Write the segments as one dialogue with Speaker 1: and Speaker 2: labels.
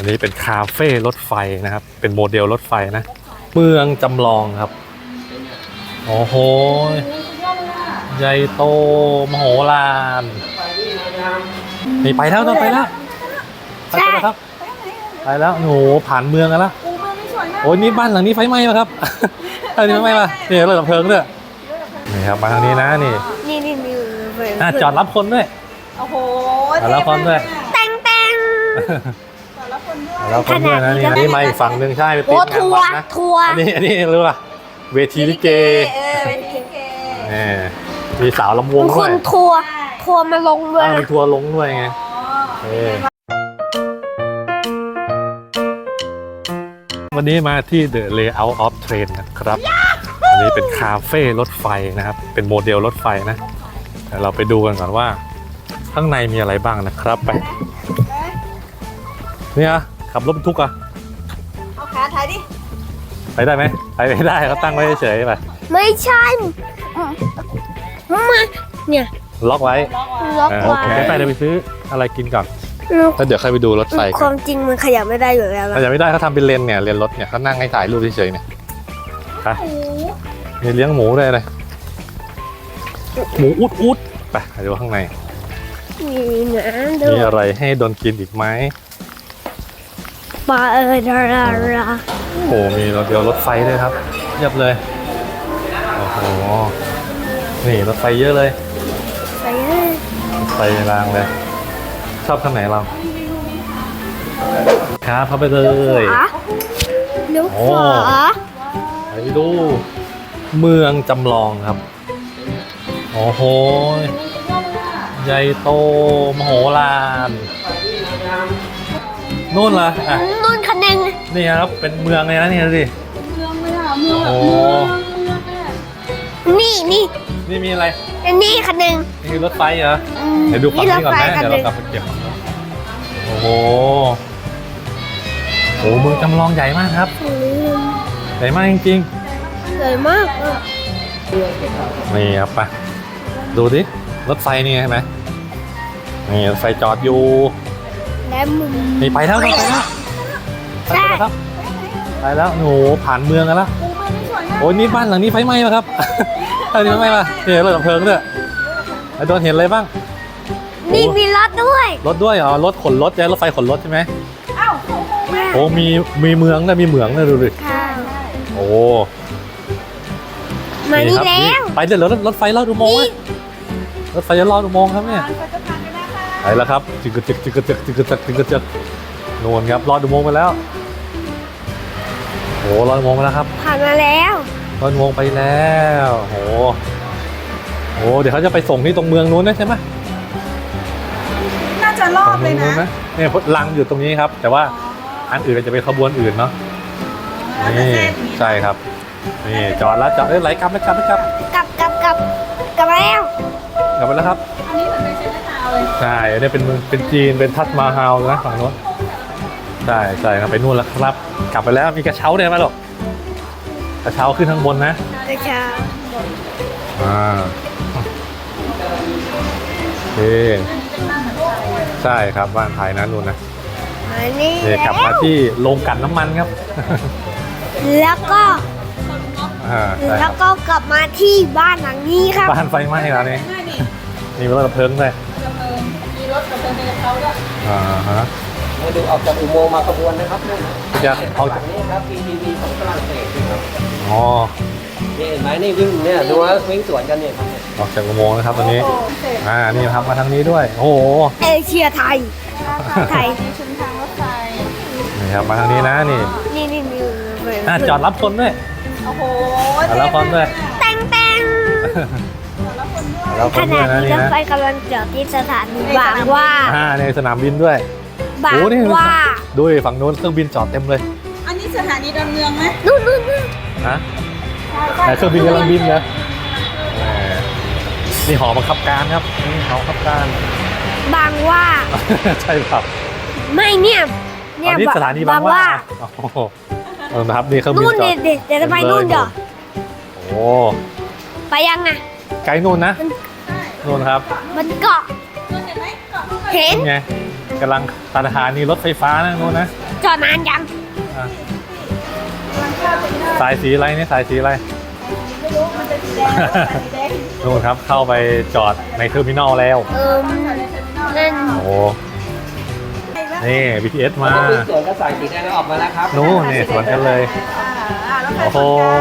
Speaker 1: นนี้เป็นคาเฟ่รถไฟนะครับ เป็นโมเดลรถไฟนะ เมืองจำลองครับ โอ้โหใหญ่โตมโหฬารนี่ไปแล้วต้องไปแล้วไปแล้วครับไปแล้วโอ้โหผ่านเมืองกันแล้วโอ้ยนี่บ้านหลังนี้ไฟไหม้ป่ะครับอันนี้ไฟไหม้ป่ะนี่รถดับเพลิงด้วยนี่ครับมาทางนี้นะนี่จอดรับคนด้วย
Speaker 2: โอ้โห
Speaker 1: จอดรับคนด้วย
Speaker 2: แตง
Speaker 1: แล้วคนด้วยนะนี่มาอีกฝั่งหนึ่งใช่ไปติดงานวัดนะอันนี้รู้ป่ะเวทีลิเกมีสาวลำวงด้วย
Speaker 2: ทัวร์มาลงด้วย
Speaker 1: มีทัวร์ลงด้วยไงวันนี้มาที่ The Layout of Train นะครับอันนี้เป็นคาเฟ่รถไฟนะครับเป็นโมเดลรถไฟนะเดี๋ยวเราไปดูกันก่อนว่าข้างในมีอะไรบ้างนะครับไปเนี่ยขับรถบรรทุกอะ
Speaker 2: เอาขาถ่ายดิ
Speaker 1: ไปได้ไหมไปไม่ได้เขาตั้งไว้เฉยๆไป
Speaker 2: ไม่ใช่มาเนี่ย
Speaker 1: ล็อกไว้โอเคไปเดี๋ยวไปซื้ออะไรกินก่อนแล้วเดี๋ยวใครไปดูรถไฟ
Speaker 2: ความจริงมันขยับไม่ได้อยู่แล้ว
Speaker 1: ขยับไม่ได้เขาทำเป็นเลนเนี่ยเลนรถเนี่ยเขานั่งให้ถ่ายรูปเฉยๆเนี่ยไปมีเลี้ยงหมูด้วยเลยหมูอุดไปดูข้างในมีอะไรให้โดนกินอีกไหม
Speaker 2: ปลา
Speaker 1: โอ้มีรถเดียวรถไฟด้วยครับเรียบเลยโอ้โหนี่รถไฟเยอะเลยไฟรางเลยชอบข้างไหนเราครับเข้าไปเลย
Speaker 2: เลี้ยวขวา
Speaker 1: ไปดูเมืองจำลองครับโอ้โหใหญ่โตมโหฬารนู่นล่ะ
Speaker 2: นู่นคันนึง
Speaker 1: นี่ครับเป็นเมืองเลยนะนี่สิ
Speaker 2: เมืองเลยอ่ะเมืองโอ้นี่
Speaker 1: มีอะไร
Speaker 2: นี่คันนึง
Speaker 1: นี่คือรถไฟเหรอเดี๋ยวดูฝั่งนี้ก่อนนะเดี๋ยวเรากลับไปเก็บโอ้โหเมืองจำลองใหญ่มากครับใหญ่มากจริง
Speaker 2: ๆใหญ่มาก
Speaker 1: นี่ครับไปดูดิรถไฟนี่ใช่ไหมนี่รถไฟจอดอยู่นี่ไปแล้วครับไปแล้วโอ้โหผ่านเมืองกันแล้วโอ้ยนี่บ้านหลังนี้ไฟไหม้ป่ะครับอันนี้ไฟไหม้ป่ะนี่รถดับเพลิงด้วยโดนเห็นอะไรบ้าง
Speaker 2: นี่มีรถด้วย
Speaker 1: เหรอรถขนรถใช่รถไฟขนรถใช่ไหมโอ้มีเมืองนะมีเหมืองนะดูดิโอ้
Speaker 2: มานี่แล้ว
Speaker 1: ไปเดี๋ยวรถไฟลอดอุโมงค์รถไฟจะลอดอุโมงค์ครับเนี่ยไปแล้วครับจึกโน่นครับลอดอุโมงค์ไปแล้วโอ้ลอดอุโมงค์ไปแล้วครับ
Speaker 2: ผ่านมาแล้ว
Speaker 1: ลอดอุโมงค์ไปแล้วโอ้เดี๋ยวเขาจะไปส่งที่ตรงเมืองนู้นนะใช่ไหม
Speaker 2: น่าจะรอบเลยนะ
Speaker 1: เนี่ยลังอยู่ตรงนี้ครับแต่ว่าอันอื่นจะเป็นขบวนอื่นเนาะนี่ใช่ครับนี่จอดแล้วไหลกลับแล้ว
Speaker 2: กลับแล้วกลับ
Speaker 1: ไปแล้วครับ
Speaker 2: อันนี้เหมือนเป็นเซนต์ทาวน์เลย
Speaker 1: ใช่อันนี้เป็นจีนเป็นทัชมาฮาลนะฝั่งโน้นใช่ครับไปนู่นแล้วครับกลับไปแล้วมีกระเช้าเนี่ยมาหรอกกระเช้าขึ้นข้างบนนะ
Speaker 2: กระเช้า
Speaker 1: โอเคใช่ครับบ้านไทยนะนู่นนะนี่กลับมาที่โรงกลั่นน้ำมันครับ
Speaker 2: แล้วก็กลับมาที่บ้านหลังนี้ครับ
Speaker 1: บ้านไฟไหม้แล้วนี่มีรถดับเพลิงด้วย
Speaker 2: มีรถดับเพลิงในเขาด้วย
Speaker 3: มาดูออกจากอุโมงค์มาขบวนนะครับนี่
Speaker 1: จะเอาจาก
Speaker 3: นี้ครับ PTV ของฝรั่งเศสครับ
Speaker 1: อ๋อ
Speaker 3: นี่เห็นไหมนี่วิ่งเนี่ยดูว่าวิ่งสวนกันเนี่ยครับ
Speaker 1: ออกจากอุโมงค์นะครับตอนนี้นี่ครับมาทางนี้ด้วยโอ้โห
Speaker 2: เอเชียไทย
Speaker 1: ชุมทางรถไฟนี่ครับมาทางนี้นะนี่จอดรับคนด้วย
Speaker 2: โอ้โห
Speaker 1: จอดรับคนด้วย
Speaker 2: แตงขณะนี้รถไฟกำลังจอดที่สถานีบางหว่า
Speaker 1: ในสนามบินด้วย
Speaker 2: บางหว่า
Speaker 1: ดูฝั่งโน้นเครื่องบินจอดเต็มเลย
Speaker 2: อันนี้สถานีดอนเมืองไหมนู่น
Speaker 1: ฮะเครื่องบินกำลังบินนะนี่หอบังคับการครับนี่หอบังคับการ
Speaker 2: บางหว่า
Speaker 1: ใช่ครับ
Speaker 2: ไม่เนี่ย
Speaker 1: นี่สถานีบางหว่านะครับนี่เครื่องบินจอด
Speaker 2: เดี๋ยวจะไปนู่นเดี๋ยว
Speaker 1: โอ้
Speaker 2: ไปยังไง
Speaker 1: ไกลนู่นนะนู่นครับ
Speaker 2: มันเกาะเห็น
Speaker 1: ไงกำลังสถานีรถไฟฟ้านะนู้นนะ
Speaker 2: จอดนานยัง
Speaker 1: อ่ะสายสีอะไรนี่สายสีอะไร
Speaker 4: ไม่รู้มันเป็นสีแดงสีแดง
Speaker 1: นู่นครับเข้าไปจอดในเทอร์มินอลแล้ว
Speaker 2: นั่น
Speaker 1: โอ้นี่ BTS มา
Speaker 3: วิ่งสวนก็สายสีแดงออกมาแล้วครับ
Speaker 1: นู้นนี่สวนกันเลย
Speaker 4: แล้วใคร
Speaker 1: โอ้โห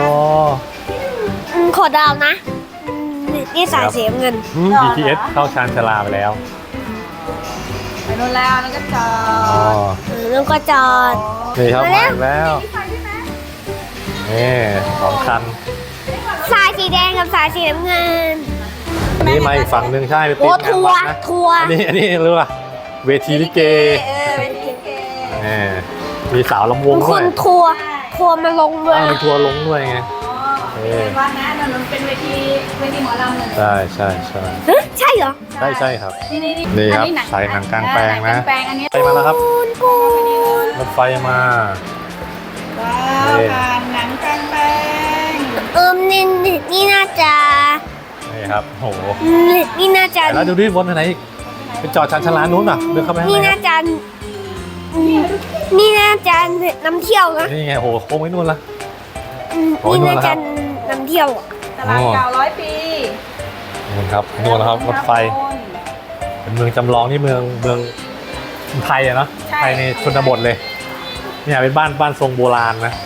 Speaker 2: ขอดาวนะนี่สายสีน้ำเงิน
Speaker 1: BTS เข้าชานชาลาไปแล้ว
Speaker 4: ไปโน่นแล้วนั่นก็จอ
Speaker 1: อ๋อ
Speaker 4: ด
Speaker 2: แล้วก็จอด
Speaker 1: นี่ครับมาอีกแล้ว
Speaker 4: ไปด้วยนะ
Speaker 1: นี่สองคัน
Speaker 2: สายสีแดงกับสายสีน้ำเงิน
Speaker 1: อันนี้มาอีกฝั่งหนึ่งใช่ไปติ
Speaker 2: โอ้
Speaker 1: ดงาน
Speaker 2: ทัว
Speaker 1: วัด
Speaker 2: ร์
Speaker 1: นะ
Speaker 2: ทัวร์
Speaker 1: อันนี้รู้ป่ะเวทีลิเก
Speaker 4: เป็นลิเก
Speaker 1: นี่มีสาวลำวง
Speaker 2: ค
Speaker 1: ด้วย
Speaker 2: นทัวร์มาลงด้วย
Speaker 1: มีทัวร์ลงด้วยไง
Speaker 4: เป็นวันนะนั่นมันเป็นเวทีหมอลำเลย
Speaker 1: ใช่ใช่ใช่
Speaker 2: เฮ้ยใช่เหรอ
Speaker 1: ใช่ใช่ครับ
Speaker 4: นี่
Speaker 1: นี่ครับ
Speaker 4: อัหนัง
Speaker 1: ฉายหนังกลางแปลงนะ
Speaker 4: หกลางแปลงอันนี้
Speaker 1: ไปมาแล้วครับ
Speaker 2: ปูน
Speaker 1: รถไฟมา
Speaker 4: ว้าวผ่านหนังกลางแปลง
Speaker 2: นี่น่าจะ
Speaker 1: นี่ครับโอ้โห
Speaker 2: นี่น่าจะ
Speaker 1: แล้วดูดิวนไปไหนอีกไปจอดชานชาลานู้นป่ะเดินเข้าไปข้าง
Speaker 2: นี่
Speaker 1: ใน
Speaker 2: น่าจะนี่น่าจะนำเที่ยวนะ
Speaker 1: นี่ไงโอ้โหโค้งไว้นู่นละ โอ้ย
Speaker 2: นี่
Speaker 1: นู่น
Speaker 2: น่า
Speaker 1: แล้วครั
Speaker 2: จะ
Speaker 1: บ
Speaker 2: นำเที่ยวอะ
Speaker 4: ตลาดเก่า100 ปี
Speaker 1: นู่นครับนู่นนะครับรถไฟเป็นเมืองจำลองนี่เมืองไทยอะเนาะไทยในชนบทเลยเนี่ยเป็นบ้านทรงโบราณนะ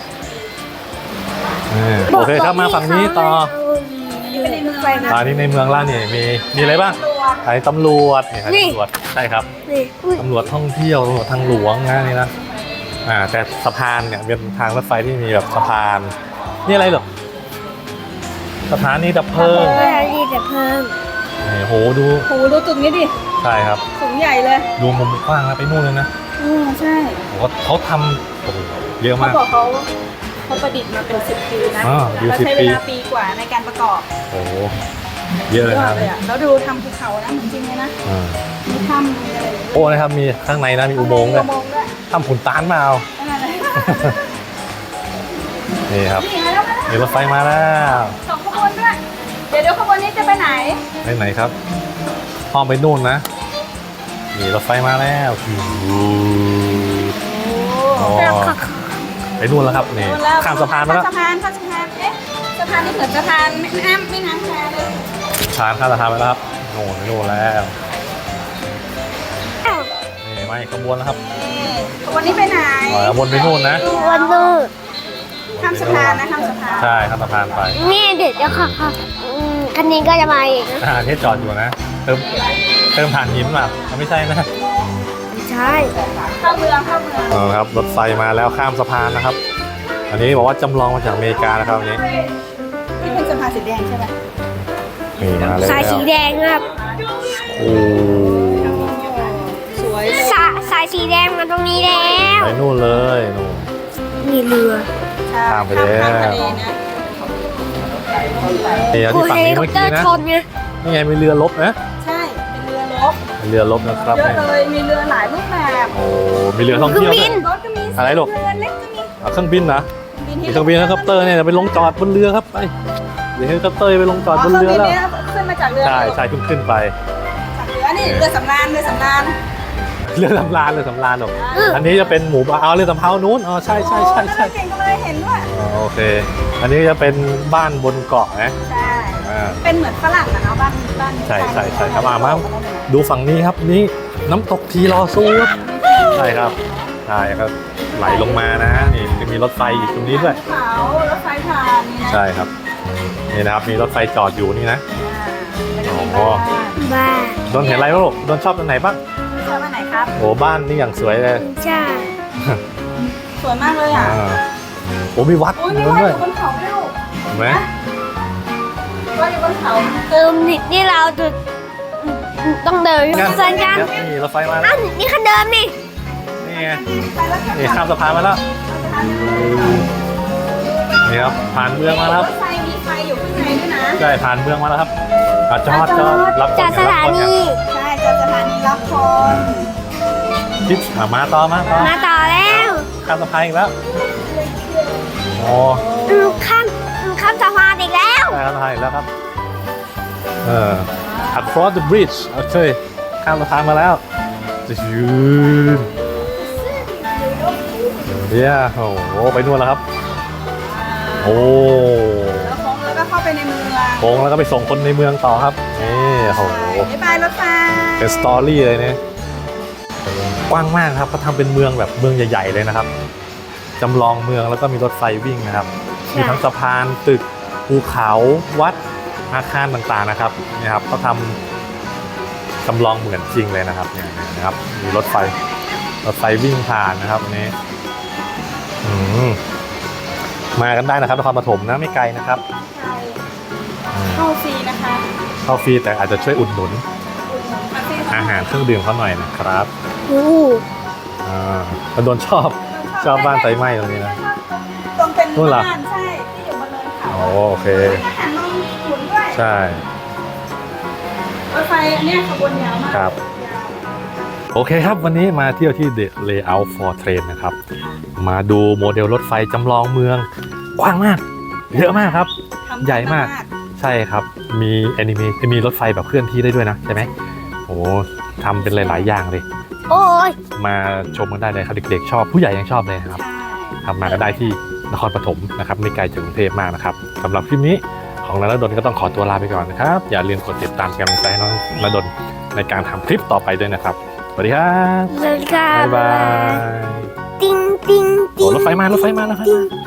Speaker 1: โอเคครับมาฝั่งนี้ต่อ
Speaker 4: ไม่ได้เมืองนะ
Speaker 1: ตอนนี้ในเมืองล่านี่มีอะไรบ้างสถานีตำรวจนี่สถานีตำรวจใช่ครับ
Speaker 2: นี่อุ้ย
Speaker 1: ตำรวจท่องเที่ยวตำรวจทางหลวงนะนี่นะแต่สะพานเนี่ยเป็นทางรถไฟที่มีแบบสะพานนี่อะไรเหรอสถานีดับเพลิง
Speaker 2: เวลาดีแต่เพิ่ม
Speaker 1: นี่โหดู
Speaker 4: โหดูตึกนี้ดิ
Speaker 1: ใช่ครับ
Speaker 4: สูงใหญ่เลย
Speaker 1: ดูมุมกว้างนะไปนู่นเลยนะ
Speaker 4: ใช่
Speaker 1: โอ้โหเขาทำโอ้โหเยอะ
Speaker 4: เขา
Speaker 1: มาก
Speaker 4: บอกเขาประดิษฐ์มาเป็น10 ปีนะ
Speaker 1: อ๋ออยู่
Speaker 4: แล้ว
Speaker 1: 10
Speaker 4: ใช้เวลา
Speaker 1: ปี
Speaker 4: ปีกว่าในการประกอบ
Speaker 1: โอ้โหเยอะเลย
Speaker 4: ยอ
Speaker 1: นะ
Speaker 4: ดเลยอ่ะแล้วดูทำภูเขานะเหมือนจริงเลยนะ
Speaker 1: อ่า
Speaker 4: มีถ้ำมีอะไรอย่างเงี้ย
Speaker 1: โอ้นะครับมีข้างในนะมีอุโมงค์ด้วย
Speaker 4: อุโมงค์ด้วย
Speaker 1: ทำขุนตานมาเอา
Speaker 4: นั่นแหละ
Speaker 1: นี่ครับ
Speaker 4: นี่มาแล้วมาแล้ว
Speaker 1: มีรถไฟมาแล้ว
Speaker 4: สองขบวนด้วย เดี๋ยวขบวนนี้จะไปไหน
Speaker 1: ไปไหนครับห้องไปนู่นนะนี่รถไฟมาแล้วอ๋อไปนู่นแล้วครับนี่ข้ามสะพานมาแล้ว
Speaker 4: ข้ามสะพานเอ๊ะสะพานนี่เหมือนสะพานแม่น้ำแควเลย
Speaker 1: ผ่านข้ามสะพานไปแล้วครับโน่นไปนู่นแล้วนี่มาอีกขบวนแล้วครับ
Speaker 4: นี่ขบวนนี้ไปไหน
Speaker 1: วนไปนู่นนะ
Speaker 2: วันนู้น
Speaker 4: ข้ามสะพานนะข้ามสะพาน
Speaker 1: ใช่ข้ามสะพานไป
Speaker 2: นี่เดี๋ยวค่ะคันนี้ก็จะมาอีกนะ
Speaker 1: ที่จอดอยู่นะเติมถ่านหินมาไม่ใช่นะ
Speaker 2: ไม่ใช่
Speaker 4: เข้าเมือง
Speaker 1: ครับรถไฟมาแล้วข้ามสะพานนะครับ อันนี้บอกว่าจำลองมาจากอเมริกานะครับอันนี้
Speaker 4: ที่เป็นสะพานสีแดงใช่ไหม
Speaker 1: นี่มาแล้ว
Speaker 2: สายสีแดงครับ
Speaker 1: โอ้
Speaker 4: สวยเลย
Speaker 2: สายสีแดงมาตรงนี้แล้ว
Speaker 1: ไปนู่นเลยนู่น
Speaker 2: มีเรือ
Speaker 1: ข้ามไปแล้ว
Speaker 4: ข้ามทะเลนะ
Speaker 1: นี่เอา
Speaker 2: กู
Speaker 1: ที่ฝั่ง
Speaker 2: เฮลิ
Speaker 1: นี้
Speaker 2: คอ
Speaker 1: เมื่
Speaker 2: ป
Speaker 1: อ
Speaker 2: เตอ
Speaker 1: กี้
Speaker 2: ร์
Speaker 1: นะ
Speaker 2: ชนไง
Speaker 1: นี่ไงมีเรือรบนะ
Speaker 4: ใช่ เป็นเรือรบ
Speaker 1: เรือรบนะครับ
Speaker 4: เยอะ
Speaker 1: นี่
Speaker 4: เลย มีเรือหลายรูปแบบ
Speaker 1: โอ้มีเรือท่อง
Speaker 2: เครื่อ
Speaker 1: เที่ยว
Speaker 2: งบิ
Speaker 1: ด้วย
Speaker 2: น
Speaker 4: รถก็มี
Speaker 1: อะไรลูก
Speaker 4: เรือเล็กก็มี
Speaker 1: เอาเครื่องบินนะ
Speaker 4: บิ
Speaker 1: มีเครื่องบินเฮลิคอปเตอร์เนี่ยเดี๋ยวไปลงจอดบนเรือครับไปเดี๋ยวเฮลิคอปเตอร์ไปลงจอดบนเรือแล้ว
Speaker 4: ขึ้นมาจากเรือ
Speaker 1: ใช่ใช่เพิ่งขึ้นไป
Speaker 4: จากเรือนี่เรือสำราญ
Speaker 1: เรือสำราญหรอกอันนี้จะเป็นหมู่บ้านเอาเรือสำเภานู้นอ๋อใช่
Speaker 4: โอ้เก่งก็เลยเห็นด้วย
Speaker 1: อ๋อโอเค อันนี้จะเป็นบ้านบนเกาะนะ
Speaker 4: ใช่
Speaker 1: อ่า
Speaker 4: เป็นเหมือนฝรั่งอะเนาะบ้าน
Speaker 1: ใช่ครับมาดูฝั่งนี้ครับนี่น้ำตกทีรอซูครับใช่ครับใช่ครับไหลลงมานะนี่จะมีรถไฟอีกตรงนี้ด้วย
Speaker 4: เขารถไฟผ่านนี่นะ
Speaker 1: ใช่ครับนี่นะครับมีรถไฟจอดอยู่นี่นะ
Speaker 4: โอ้
Speaker 2: บ้า
Speaker 1: โดนเห็นอะไรบ้างลูกโดนชอบตรงไหนบ้าง
Speaker 4: ชอบอันไหนครับ
Speaker 1: โอ้บ้านนี่อย่างสวยเลย
Speaker 2: ใช่
Speaker 4: สวยมากเลยอ่ะ
Speaker 1: อ่าโอ้มีวัด
Speaker 4: อุ้ย
Speaker 1: อยู่
Speaker 4: มี
Speaker 1: นั่น
Speaker 4: วัด
Speaker 1: ด้วย
Speaker 4: อยู่บนเขาด้วยลูก
Speaker 1: เห็นไหม
Speaker 4: วัดอยู่บนเขา
Speaker 2: นี่เราจะต้องเดินเส้นกัน
Speaker 1: นี่รถไฟมาแล้ว
Speaker 2: อ้าวนี่คันเดิมนี่
Speaker 1: นี่ไง
Speaker 4: ไปแล้วค่ะ
Speaker 1: นี่ข้ามสะพานมาแล้วนี่ครับผ่านเมืองมาแล้ว
Speaker 4: รถไฟมีไฟอยู่ข้างในด้วยนะ
Speaker 1: ใช่ผ่านเมืองมาแล้วครับจอดรับคน
Speaker 2: จากสถานี
Speaker 4: ใช่จากสถานีรับคน
Speaker 1: ทิศมาต่อ
Speaker 2: มาต่อแล้ว
Speaker 1: ข้ามสะพานอีกแล้วโอ้
Speaker 2: ข้ามสะพานอีกแล้ว
Speaker 1: ได้ข้ามสะพานอีกแล้วครับacross the bridge โอเคข้ามสะพานมาแล้วยืนเนี่ยโอ้โหไปนู่นแล้วครับโอ้
Speaker 4: แล้วโค้งแล้วก็เข้าไปในเมือง
Speaker 1: โค้งแล้วก็ไปส่งคนในเมืองต่อครับนี่โอ้โห
Speaker 4: บ๊ายบายรถไฟ
Speaker 1: เป็นสตอรี่เลยเนี่ยกว้างมากครับเขาทำเป็นเมืองแบบเมืองใหญ่ๆเลยนะครับจำลองเมืองแล้วก็มีรถไฟวิ่งนะครับมีทั้งสะพานตึกภูเขาวัดอาคารต่างๆนะครับนี่ครับเขาทำจำลองเหมือนจริงเลยนะครับเนี่ยนะครับมีรถไฟวิ่งผ่านนะครับอันนี้มากันได้นะครับนครปฐมนะไม่ไกลนะครับ
Speaker 4: ใช่เข้าฟรีนะคะ
Speaker 1: เข้าฟรีแต่อาจจะช่วยอุดหนุน
Speaker 4: อุดหนุนคาเฟ่
Speaker 1: อาหารเครื่องดื่มเขาหน่อยนะครับ
Speaker 2: โอ้
Speaker 1: แล้วโดนชอบบ้านไฟไหม้ตรงนี้นะ
Speaker 4: ตรงเป็น
Speaker 1: นู่นเหรอ
Speaker 4: บ้านใช่ที่อยู่บนเนินเขา
Speaker 1: โอเค
Speaker 4: อาหารนมขุนด้วย
Speaker 1: ใช่
Speaker 4: รถไฟอันเนี้ยขบวนยาวมาก
Speaker 1: ครับ
Speaker 4: ยาว
Speaker 1: โอเคครับวันนี้มาเที่ยวที่ The Layout for Train นะครับมาดูโมเดลรถไฟจำลองเมืองกว้างมากเยอะมากครับ
Speaker 4: ทำ
Speaker 1: ใหญ่มาก ใช่ครับมีแอนิเมะมีรถไฟแบบเคลื่อนที่ได้ด้วยนะใช่ไหมโอ้ทำเป็นหลาย ๆ อย่างเลย
Speaker 2: โอ้ย
Speaker 1: มาชมกันได้เลยครับเด็ก ๆ ชอบผู้ใหญ่ยังชอบเลยนะครับ
Speaker 4: ใช่
Speaker 1: ครับมาก็ได้ที่นครปฐมนะครับไม่ไกลจากกรุงเทพมากนะครับสำหรับคลิปนี้ของนรดลก็ต้องขอตัวลาไปก่อนนะครับอย่าลืมกดติดตามกำลังใจให้น้องนรดลในการทำคลิปต่อไปด้วยนะครับสวัสดีครับ
Speaker 2: สวัสดีค่ะ
Speaker 1: บ๊ายบาย
Speaker 2: ติ้งติ้ง
Speaker 1: โอ้
Speaker 2: ติ้ง
Speaker 1: รถไฟมา
Speaker 2: ติ้ง